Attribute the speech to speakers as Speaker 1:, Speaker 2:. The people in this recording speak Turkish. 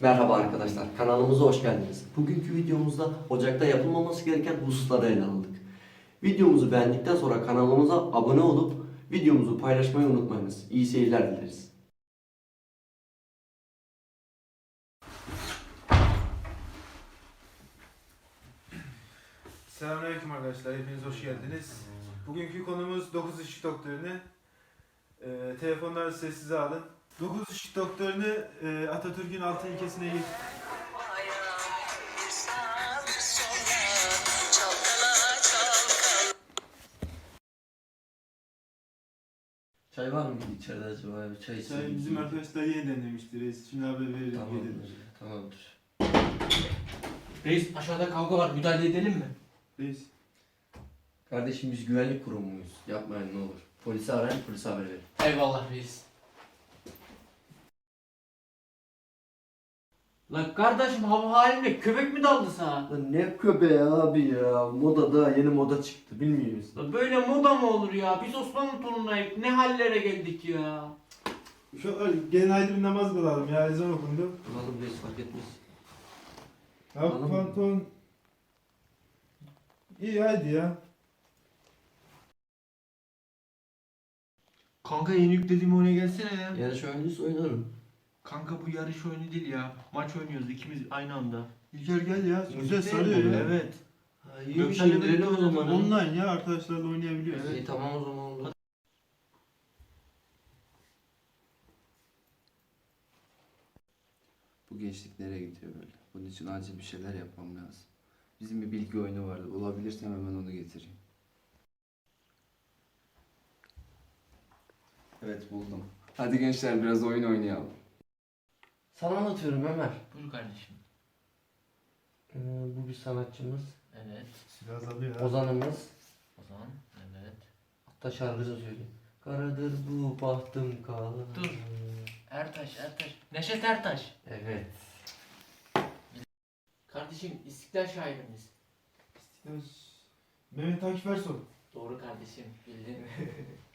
Speaker 1: Merhaba arkadaşlar, kanalımıza hoş geldiniz. Bugünkü videomuzda ocakta yapılmaması gereken hususları ele aldık. Videomuzu beğendikten sonra kanalımıza abone olup videomuzu paylaşmayı unutmayınız. İyi seyirler dileriz.
Speaker 2: Selamünaleyküm arkadaşlar, hepiniz hoş geldiniz. Bugünkü konumuz 9 ışık doktrini. Telefonları sessize alın. 9 ışık doktrini Atatürk'ün 6 ilkesine
Speaker 1: Çay var mı içeride acaba? Çay içelim.
Speaker 2: bizim arkadaşlar yeniden demiştir. Reis şimdi haber verelim.
Speaker 1: Tamamdır.
Speaker 3: Reis aşağıda kavga var, müdahale edelim mi?
Speaker 2: Reis.
Speaker 1: Kardeşim biz güvenlik kurumuyuz. Yapmayın ne olur. Polisi arayın, polise haber verin.
Speaker 3: Eyvallah reis. Lan kardeşim hava haline köpek mi daldı sana?
Speaker 1: Lan ne köpeği abi ya. Moda da yeni moda çıktı bilmiyor musun?
Speaker 3: Lan böyle moda mı olur ya? Biz Osmanlı torunuyuz. Ne hallere geldik ya?
Speaker 2: Şu gene ayrı bir namaz kılalım ya, ezan okundu.
Speaker 1: Oğlum reis fark etmez.
Speaker 2: Abi
Speaker 1: Kılalım mı?
Speaker 2: pantolon. İyi hadi ya.
Speaker 3: Kanka yeni yüklediğim oyuna gelsene ya.
Speaker 1: Yarış oyuncuysa oynarım.
Speaker 3: Kanka bu yarış oyunu değil ya. Maç oynuyoruz ikimiz aynı anda.
Speaker 2: İlker gel ya. Güzel
Speaker 3: Güzel
Speaker 2: sarıyor ya.
Speaker 3: Evet.
Speaker 1: Ha, iyi bir
Speaker 3: Göksel'le
Speaker 1: şey indirelim o
Speaker 3: birlikte
Speaker 1: zaman.
Speaker 2: Online ya, arkadaşlarla oynayabiliyoruz.
Speaker 1: İyi tamam o zaman oldu.
Speaker 4: Bu gençlik nereye gidiyor böyle? Bunun için acil bir şeyler yapmam lazım. Bizim bir bilgi oyunu vardı. Bulabilirsem hemen onu getireyim. Evet buldum. Hadi gençler biraz oyun oynayalım.
Speaker 1: Sana anlatıyorum Ömer.
Speaker 3: Buyur kardeşim.
Speaker 1: Bu bir sanatçımız.
Speaker 3: Evet.
Speaker 2: Silah alıyor ha.
Speaker 1: Ozanımız.
Speaker 3: O zaman evet.
Speaker 1: Hatta şarkısı söyleyeyim. Karadır bu bahtım kara.
Speaker 3: Dur. Ertaş. Neşet Ertaş.
Speaker 1: Evet.
Speaker 3: Kardeşim İstiklal şairimiz.
Speaker 2: Mehmet Akif Ersoy.
Speaker 3: Doğru kardeşim bildin.